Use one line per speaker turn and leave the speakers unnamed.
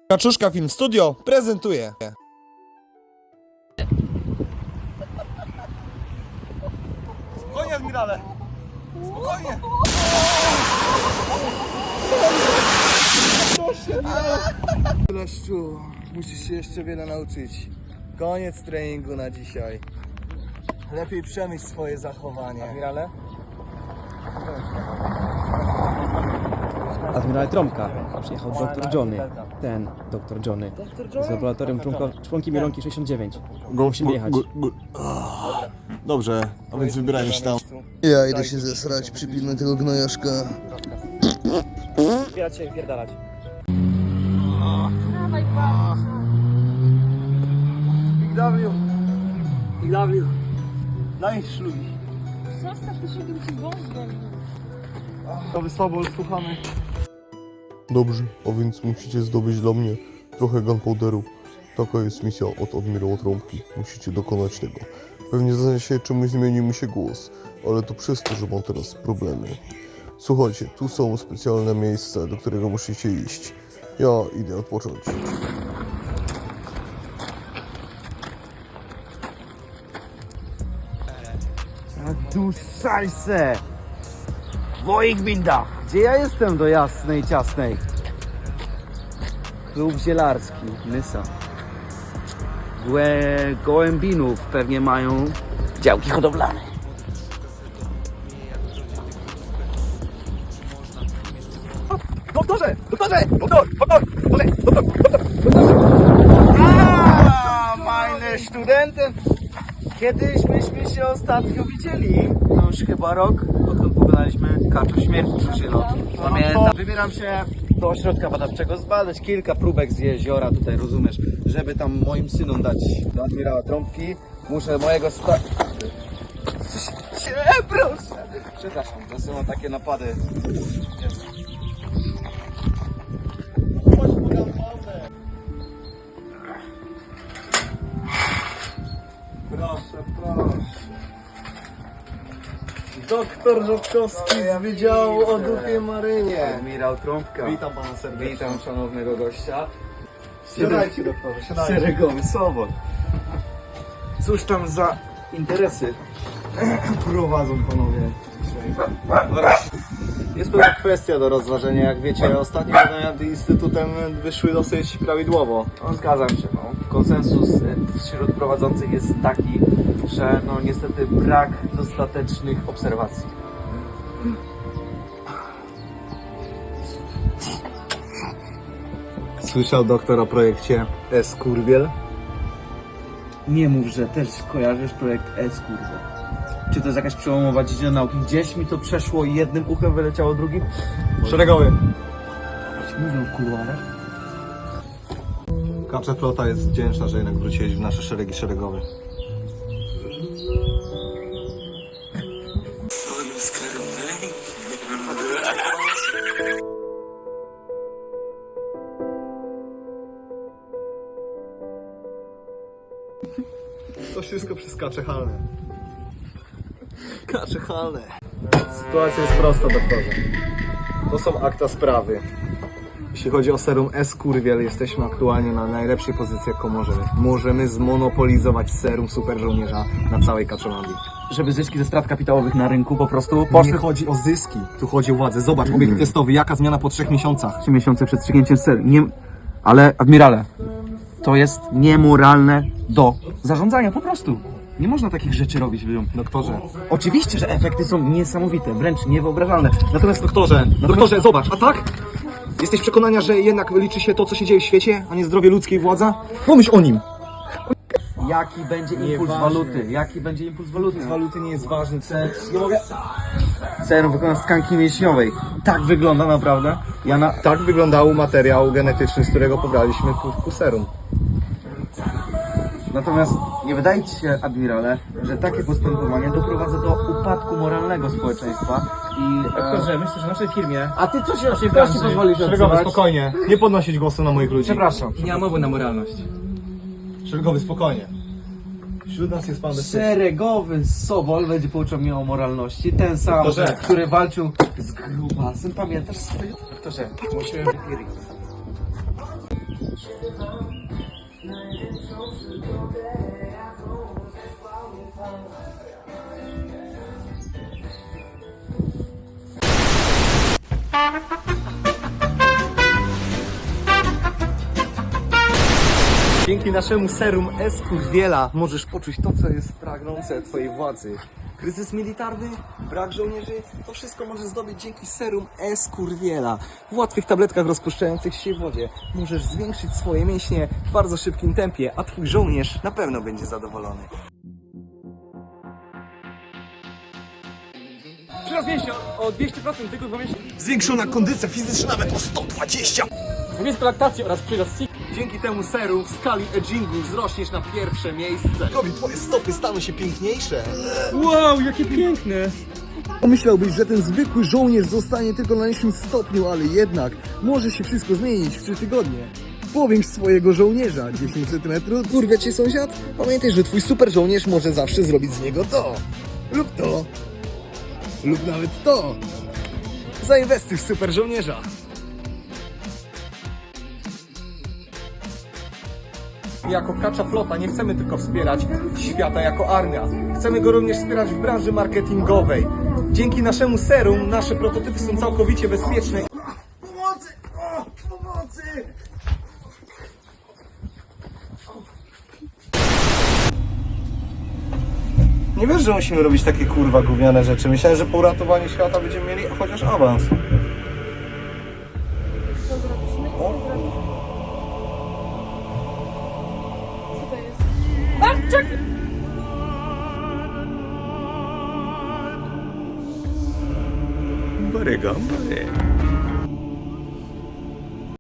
Kaczuszka Film Studio prezentuje. Spokojnie, admirale! Spokojnie!
Leszczu, musisz się jeszcze wiele nauczyć. Koniec treningu na dzisiaj. Lepiej przemyśl swoje zachowanie.
Admirale? Admirale Trąbka. Przyjechał doktor Johnny. Ten doktor Johnny. Z laboratorium członki Mielonki 69. Musimy jechać.
Dobrze, a więc wybierajmy się tam.
Ja idę się zesrać, przypilnuj tego gnojaszka.
Zbierać się i pierdalać.
Big W. Daj szlugi.
Zostaw, ty się ci wąs goni.
Nowy Sobol, słuchamy.
Dobrze, a więc musicie zdobyć dla mnie trochę gunpowderu. Taka jest misja od admirała Trąbki. Musicie dokonać tego. Pewnie zdaje się, czemuś zmienił mi się głos, ale to przez to, że mam teraz problemy. Słuchajcie, tu są specjalne miejsca, do którego musicie iść. Ja idę odpocząć.
Du Scheiße! Wo ich bin da? Gdzie ja jestem do jasnej, ciasnej? Klub zielarski, Nysa. Gołębinów pewnie mają działki hodowlane. Doktorze! Doktorze! Doktor! Meine Studenten! Kiedyś myśmy się ostatnio widzieli, to już chyba rok, odkąd pokonaliśmy kaczor śmierci przyszylotki. Pamiętam, wybieram się do ośrodka badawczego zbadać kilka próbek z jeziora, tutaj rozumiesz, żeby tam moim synom dać do admirała Trąbki. Muszę mojego proszę! Przepraszam, czasem mam takie napady.
Proszę. Doktor Rzodkowski z Wydziału o Dupie Marynie.
Admirał Trąbka.
Witam pana serdecznie.
Witam szanownego gościa.
Siadajcie, doktorze, siadajcie.
Szeregowy Sobol. Cóż tam za interesy prowadzą panowie dzisiaj?
Jest pewna kwestia do rozważenia. Jak wiecie, ostatnie badania nad Instytutem wyszły dosyć prawidłowo.
No, zgadzam się. No. Konsensus wśród prowadzących jest taki, że no niestety brak dostatecznych obserwacji.
Słyszał doktor o projekcie S-Kurwiel?
Nie mów, że też kojarzysz projekt S-Kurwa. Czy to jest jakaś przełomowa dziedzina nauki? Gdzieś mi to przeszło i jednym uchem wyleciało drugim?
Szeregowy.
Mówią w kuluarach.
Kacza flota jest wdzięczna, że jednak wróciłeś w nasze szeregi szeregowe. To wszystko przez kacze halne. Kacze halne. Sytuacja jest prosta, doktorze. To są akta sprawy. Jeśli chodzi o serum S-Kurwiel, jesteśmy aktualnie na najlepszej pozycji, jaką możemy. Możemy zmonopolizować serum super żołnierza na całej Kaczolandii.
Żeby zyski ze strat kapitałowych na rynku po prostu
Nie
poszły
chodzi o zyski, tu chodzi o władzę. Zobacz, obiekt testowy, jaka zmiana po 3 miesiącach.
3 miesiące przed strzygnięciem serii. Nie... Ale, admirale, to jest niemoralne do zarządzania, po prostu. Nie można takich rzeczy robić ludziom.
Doktorze.
Oczywiście, że efekty są niesamowite, wręcz niewyobrażalne.
Natomiast doktorze, zobacz, a tak? Jesteś przekonania, że jednak liczy się to, co się dzieje w świecie, a nie zdrowie ludzkie i władza? Pomyśl o nim!
Jaki będzie impuls waluty? Jaki będzie impuls waluty?
Z waluty nie jest ważny. Nie mogę.
Serum wykonane z tkanki mięśniowej. Tak wygląda naprawdę.
Tak wyglądał materiał genetyczny, z którego pobraliśmy ku serum.
Natomiast nie wydaje ci się, admirale, że takie postępowanie doprowadza do upadku moralnego społeczeństwa i...
Doktorze, myślę, że w naszej firmie...
A ty co się naszej branży pozwolisz
Szeregowy,
odzywać?
spokojnie. Nie podnosić głosu na moich ludzi.
Przepraszam.
Nie ma mowy na moralność.
Szeregowy, spokojnie. Wśród nas jest pan bezpieczny.
Szeregowy Sobol będzie pouczał mnie o moralności. Ten sam,
Doktorze.
który walczył z grubasem. Pamiętasz swoje? Doktorze, musimy wypierić.
Dzięki naszemu serum S-Kurwiela możesz poczuć to, co jest pragnące twojej władzy. Kryzys militarny, brak żołnierzy, to wszystko możesz zdobyć dzięki serum S-Kurwiela. W łatwych tabletkach rozpuszczających się w wodzie możesz zwiększyć swoje mięśnie w bardzo szybkim tempie, a twój żołnierz na pewno będzie zadowolony.
Przyrost mięśnia o 200% tylko 2 miesiące.
Zwiększona kondycja fizyczna nawet o 120.
Zamiast laktacji oraz przyrost SIG.
Dzięki temu serum w skali agingu wzrośniesz na pierwsze miejsce.
Robi, twoje stopy staną się piękniejsze.
Wow, jakie piękne!
Pomyślałbyś, że ten zwykły żołnierz zostanie tylko na niższym stopniu, ale jednak może się wszystko zmienić w 3 tygodnie. Powiększ swojego żołnierza 10 cm. Kurwa cię sąsiad? Pamiętaj, że twój super żołnierz może zawsze zrobić z niego to. Lub to. Lub nawet to. Zainwestuj w super żołnierza. Jako Kacza Flota nie chcemy tylko wspierać świata jako armia. Chcemy go również wspierać w branży marketingowej. Dzięki naszemu serum nasze prototypy są całkowicie bezpieczne. Pomocy! O, pomocy! Nie wiesz, że musimy robić takie kurwa gówniane rzeczy. Myślałem, że po uratowaniu świata będziemy mieli chociaż awans.
Co to jest? A, czekaj!
Barygam,